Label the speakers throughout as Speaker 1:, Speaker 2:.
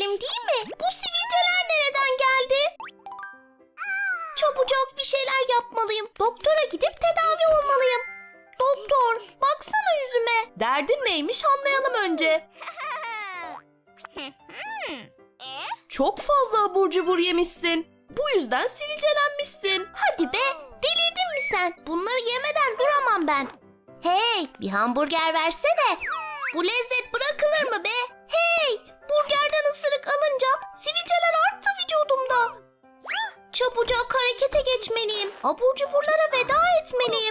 Speaker 1: benim değil mi? Bu sivilceler nereden geldi? Çabucak bir şeyler yapmalıyım. Doktora gidip tedavi olmalıyım. Doktor, baksana yüzüme. Derdin neymiş anlayalım önce. Çok fazla abur cubur yemişsin. Bu yüzden sivilcelenmişsin. Hadi be, delirdin mi sen? Bunları yemeden duramam ben. Hey, bir hamburger versene. Bu lezzet bırakılır mı be? Hey, burgerden ısırık alınca sivilceler arttı vücudumda. Çabucak harekete geçmeliyim. Abur cuburlara veda etmeliyim.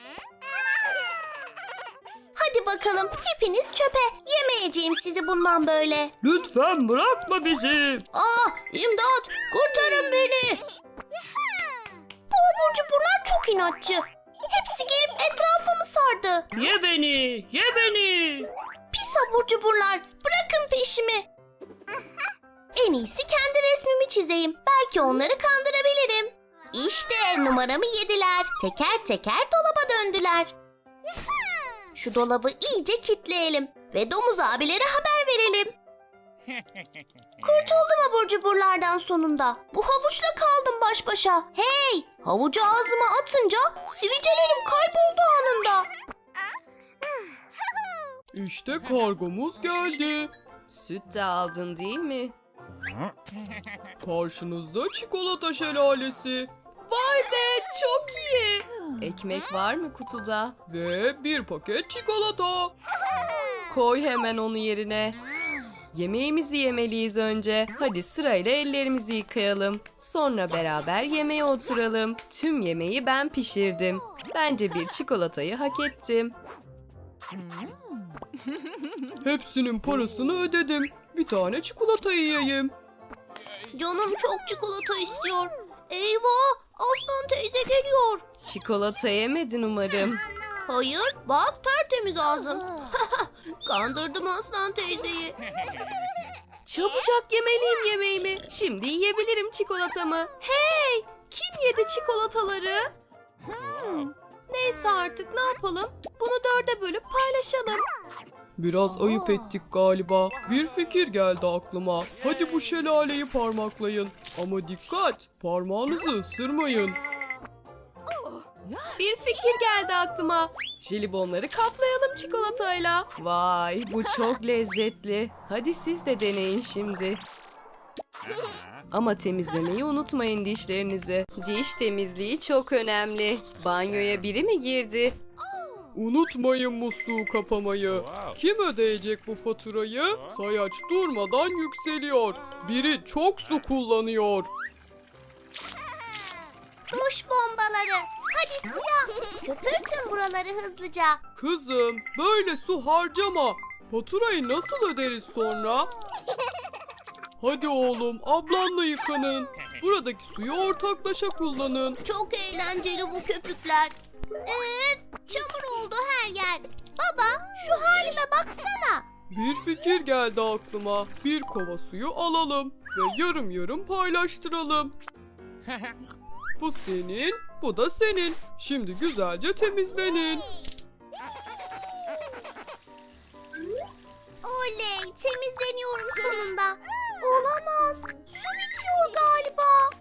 Speaker 1: Hadi bakalım, hepiniz çöpe. Yemeyeceğim sizi bundan böyle.
Speaker 2: Lütfen bırakma bizi.
Speaker 1: İmdat, kurtarın beni. Bu abur cuburlar çok inatçı. Hepsi gelip etrafımı sardı.
Speaker 2: Ye beni, ye beni.
Speaker 1: Pis abur cuburlar, bırakın peşimi. En iyisi kendi resmimi çizeyim. Belki onları kandırabilirim. İşte numaramı yediler. Teker teker dolaba döndüler. Şu dolabı iyice kitleyelim ve domuz abilere haber verelim. Kurtuldum abur cuburlardan sonunda. Bu havuçla kaldım baş başa. Hey! Havucu ağzıma atınca sivilcelerim kayboldu anında.
Speaker 3: İşte kargomuz geldi.
Speaker 4: Süt de aldın değil mi?
Speaker 3: Karşınızda çikolata şelalesi
Speaker 4: Vay be, çok iyi. Ekmek var mı kutuda?
Speaker 3: ve bir paket çikolata.
Speaker 4: Koy hemen onu yerine. Yemeğimizi yemeliyiz önce. Hadi sırayla ellerimizi yıkayalım. Sonra beraber yemeğe oturalım. Tüm yemeği ben pişirdim. Bence bir çikolatayı hak ettim.
Speaker 3: Hepsinin parasını ödedim. Bir tane çikolata yiyeyim.
Speaker 1: Canım çok çikolata istiyor. Eyvah! Aslan teyze geliyor.
Speaker 4: Çikolata yemedin umarım.
Speaker 1: Hayır, bak tertemiz ağzım. Kandırdım Aslan teyzeyi.
Speaker 4: Çabucak yemeliyim yemeğimi. Şimdi yiyebilirim çikolatamı. Hey! Kim yedi çikolataları? Neyse artık ne yapalım? Bunu 4'e bölüp paylaşalım.
Speaker 3: Biraz ayıp ettik galiba. Bir fikir geldi aklıma. Hadi bu şelaleyi parmaklayın. Ama dikkat, parmağınızı ısırmayın.
Speaker 4: Bir fikir geldi aklıma. Jelibonları kaplayalım çikolatayla. Vay, bu çok lezzetli. Hadi siz de deneyin şimdi. Ama temizlemeyi unutmayın dişlerinizi. Diş temizliği çok önemli. Banyoya biri mi girdi?
Speaker 3: Unutmayın musluğu kapamayı. Kim ödeyecek bu faturayı? Sayaç durmadan yükseliyor. Biri çok su kullanıyor.
Speaker 1: Duş bombaları. Hadi suya. Köpürtün buraları hızlıca.
Speaker 3: Kızım, böyle su harcama. Faturayı nasıl öderiz sonra? Hadi oğlum, ablanla yıkanın. Buradaki suyu ortaklaşa kullanın.
Speaker 1: Çok eğlenceli bu köpükler. Çamur oldu her yer. Baba, şu halime baksana.
Speaker 3: Bir fikir geldi aklıma. Bir kova suyu alalım ve yarım yarım paylaştıralım. Bu senin, bu da senin. Şimdi güzelce temizlenin.
Speaker 1: Oley, temizleniyorum sonunda. Olamaz, su bitiyor galiba.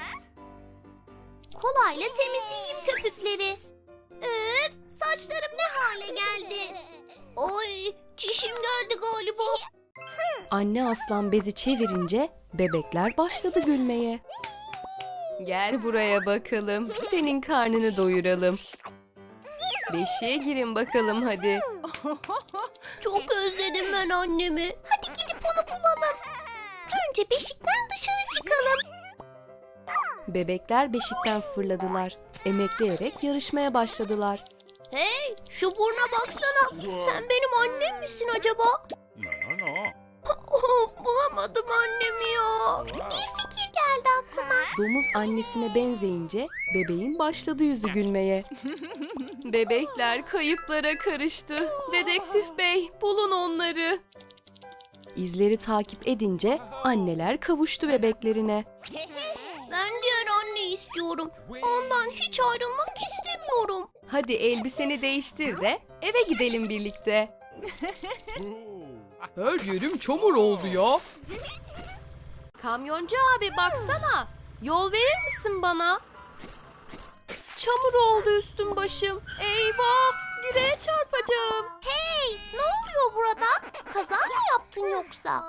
Speaker 1: Kolayla temizleyeyim köpükleri. Öf, saçlarım ne hale geldi. Oy, çişim geldi galiba.
Speaker 4: Anne aslan bezi çevirince bebekler başladı gülmeye. Gel buraya bakalım. Senin karnını doyuralım. Beşiğe girin bakalım hadi.
Speaker 1: Çok özledim ben annemi. Hadi gidip onu bulalım. Önce beşikten dışarı çıkalım.
Speaker 4: Bebekler beşikten fırladılar. Emekleyerek yarışmaya başladılar.
Speaker 1: Hey, şu burna baksana. Sen benim annem misin acaba?
Speaker 5: No.
Speaker 1: Of, bulamadım annemi ya. Bir fikir geldi aklıma.
Speaker 4: Domuz annesine benzeyince bebeğin başladı yüzü gülmeye. Bebekler kayıplara karıştı. Dedektif bey, bulun onları. İzleri takip edince anneler kavuştu bebeklerine.
Speaker 1: Ben diğer anne istiyorum. Ondan hiç ayrılmak istemiyorum.
Speaker 4: Hadi elbiseni değiştir de eve gidelim birlikte.
Speaker 3: Her yerim çamur oldu ya.
Speaker 1: Kamyoncu abi baksana. Yol verir misin bana? Çamur oldu üstüm başım. Eyvah! Direğe çarpacağım. Hey! Ne oluyor burada? Kaza mı yaptın yoksa?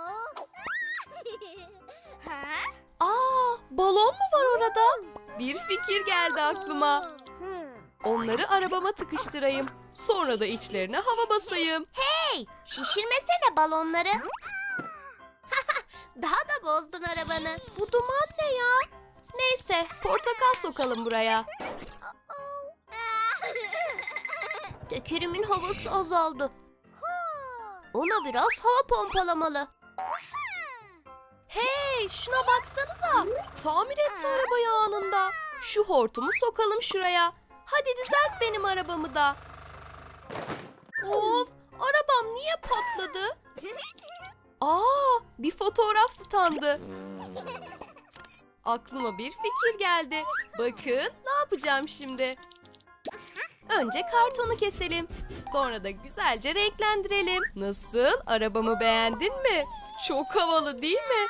Speaker 1: Balon mu var orada?
Speaker 4: Bir fikir geldi aklıma. Onları arabama tıkıştırayım. Sonra da içlerine hava basayım.
Speaker 1: Hey! Şişirmesene balonları. Daha da bozdun arabanı. Bu duman ne ya?
Speaker 4: Neyse, portakal sokalım buraya.
Speaker 1: Tekerimin havası azaldı. Ona biraz hava pompalamalı. Hey, şuna baksanıza.
Speaker 4: Tamir etti arabayı anında. Şu hortumu sokalım şuraya. Hadi düzelt benim arabamı da. Of, arabam niye patladı? Bir fotoğraf standı. Aklıma bir fikir geldi. Bakın ne yapacağım şimdi. Önce kartonu keselim. Sonra da güzelce renklendirelim. Nasıl? Arabamı beğendin mi? Çok havalı değil mi?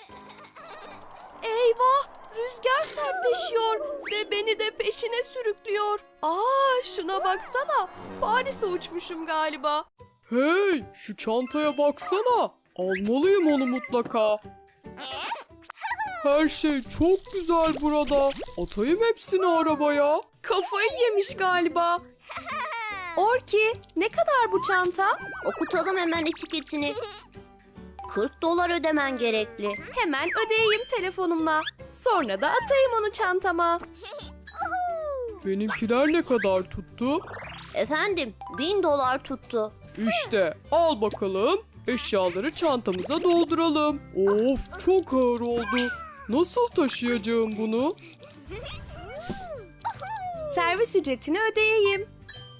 Speaker 4: Eyvah! Rüzgar sertleşiyor ve beni de peşine sürüklüyor. Şuna baksana. Paris'e uçmuşum galiba.
Speaker 3: Hey, şu çantaya baksana. Almalıyım onu mutlaka. Her şey çok güzel burada. Atayım hepsini arabaya.
Speaker 4: Kafayı yemiş galiba. Orki, ne kadar bu çanta?
Speaker 1: Okutalım hemen etiketini. $40 ödemen gerekli.
Speaker 4: Hemen ödeyeyim telefonumla. Sonra da atayım onu çantama.
Speaker 3: Benimkiler ne kadar tuttu?
Speaker 1: Efendim, $1000 tuttu.
Speaker 3: İşte al bakalım. Eşyaları çantamıza dolduralım. Of, çok ağır oldu. Nasıl taşıyacağım bunu?
Speaker 4: Servis ücretini ödeyeyim.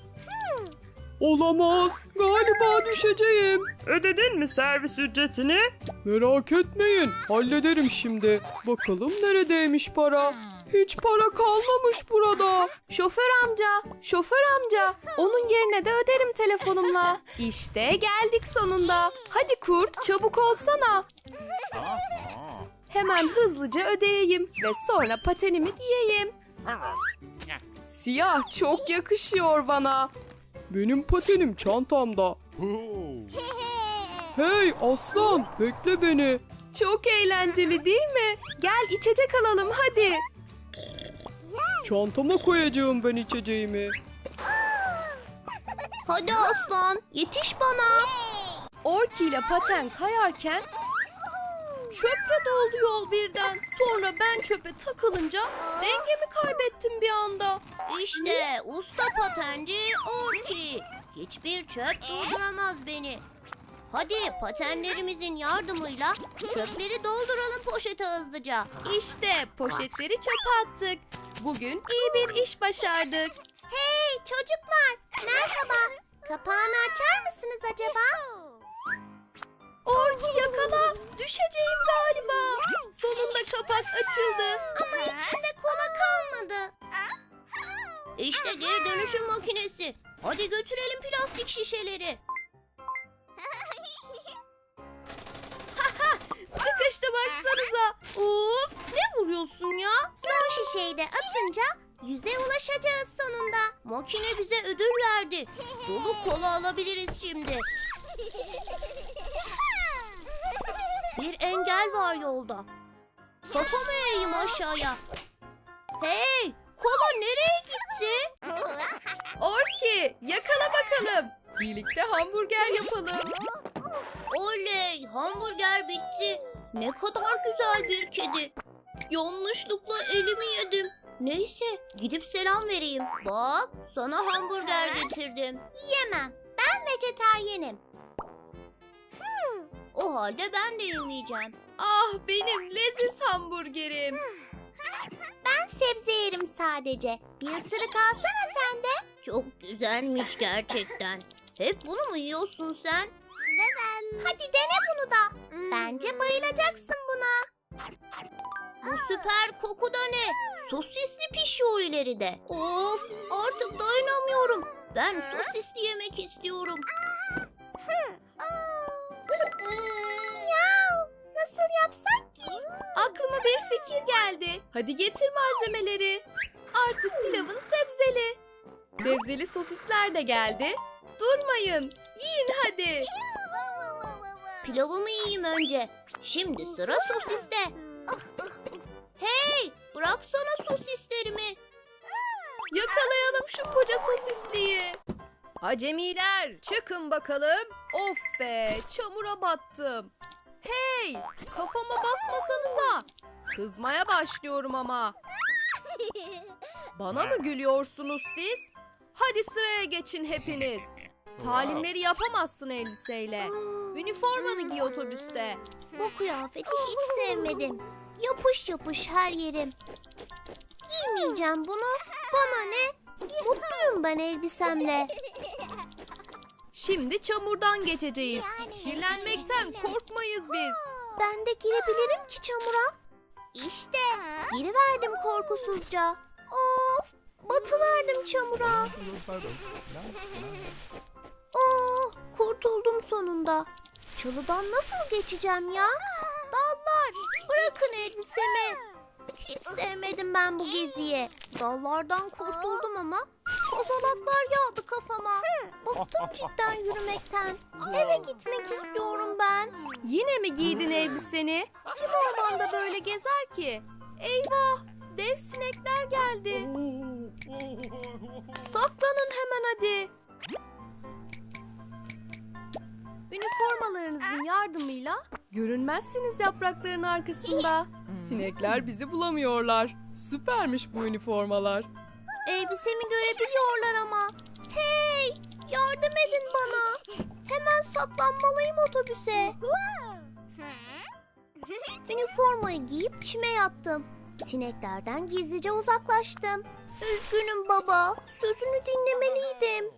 Speaker 3: Olamaz. Galiba düşeceğim.
Speaker 2: Ödedin mi servis ücretini?
Speaker 3: Merak etmeyin. Hallederim şimdi. Bakalım neredeymiş para? Hiç para kalmamış burada.
Speaker 4: Şoför amca. Onun yerine de öderim telefonumla. İşte geldik sonunda. Hadi kurt, çabuk olsana. Hemen hızlıca ödeyeyim ve sonra patenimi giyeyim. Siyah çok yakışıyor bana.
Speaker 3: Benim patenim çantamda. Hey aslan, bekle beni.
Speaker 4: Çok eğlenceli değil mi? Gel içecek alalım hadi.
Speaker 3: Çantama koyacağım ben içeceğimi.
Speaker 1: Hadi aslan, yetiş bana.
Speaker 4: Orki ile paten kayarken çöple doldu yol birden. Sonra ben çöpe takılınca dengemi kaybettim bir anda.
Speaker 1: İşte usta patenci Orki. Hiçbir çöp durduramaz beni. Hadi patenlerimizin yardımıyla çöpleri dolduralım poşete hızlıca.
Speaker 4: İşte poşetleri çöpe attık. Bugün iyi bir iş başardık.
Speaker 1: Hey çocuklar, merhaba. Kapağını açar mısınız acaba?
Speaker 4: Orki yakala. Düşeceğim galiba. Sonunda kapak açıldı.
Speaker 1: Ama içinde kola kalmadı. İşte geri dönüşüm makinesi. Hadi götürelim plastik şişeleri.
Speaker 4: Sıkıştı baksanıza. Of, ne vuruyorsun ya?
Speaker 1: Son şişeyi de atınca yüze ulaşacağız sonunda. Makine bize ödül verdi. Dolu kola alabiliriz şimdi. Bir engel var yolda. Kafamı eğeyim aşağıya. Hey, kola nereye gitti?
Speaker 4: Orki, yakala bakalım. Birlikte hamburger yapalım.
Speaker 1: Oley, hamburger bitti. Ne kadar güzel bir kedi. Yanlışlıkla elimi yedim. Neyse, gidip selam vereyim. Bak, sana hamburger getirdim. Yemem, ben vejetaryenim. O halde ben de yemeyeceğim.
Speaker 4: Ah benim leziz hamburgerim.
Speaker 1: Ben sebze yerim sadece. Bir ısırık alsana sen de. Çok güzelmiş gerçekten. Hep bunu mu yiyorsun sen? Hadi dene bunu da. Bence bayılacaksın buna. Bu süper koku da ne? Sosisli pişiyor ileride. Of, artık dayanamıyorum. Ben sosisli yemek istiyorum. Miyav, nasıl yapsak ki?
Speaker 4: Hadi getir malzemeleri. Artık pilavın sebzeli. Sebzeli sosisler de geldi. Durmayın. Yiyin hadi.
Speaker 1: Pilavımı yiyeyim önce. Şimdi sıra sosiste. Hey, bıraksana sosislerimi.
Speaker 4: Yakalayalım şu koca sosisliği. Acemiler çıkın bakalım. Of be, çamura battım. Hey, kafama basmasanıza. Kızmaya başlıyorum ama. Bana mı gülüyorsunuz siz? Hadi sıraya geçin hepiniz. Talimleri yapamazsın elbiseyle. Üniformanı giy otobüste.
Speaker 1: Bu kıyafeti hiç sevmedim. Yapış yapış her yerim. Giymeyeceğim bunu. Bana ne? Mutluyum ben elbisemle.
Speaker 4: Şimdi çamurdan geçeceğiz. Kirlenmekten korkmayız biz.
Speaker 1: Ben de girebilirim ki çamura. İşte giriverdim korkusuzca. Of, batıverdim çamura. Oh, kurtuldum sonunda. Çalıdan nasıl geçeceğim ya? Dallar, bırakın elbisemi. Hiç sevmedim ben bu geziyi. Dallardan kurtuldum ama kozalaklar yağdı kafama. Bıktım cidden yürümekten. Eve gitmek istiyorum ben.
Speaker 4: Yine mi giydin elbiseni? Kim ormanda böyle gezer ki? Eyvah! Dev sinekler geldi. Saklanın hemen hadi. Üniformalarınızın yardımıyla görünmezsiniz yaprakların arkasında.
Speaker 2: Sinekler bizi bulamıyorlar. Süpermiş bu üniformalar.
Speaker 1: Elbisemi görebiliyorlar ama. Hey, yardım edin bana. Hemen saklanmalıyım otobüse. Üniformayı giyip çime yattım. Sineklerden gizlice uzaklaştım. Üzgünüm baba. Sözünü dinlemeliydim.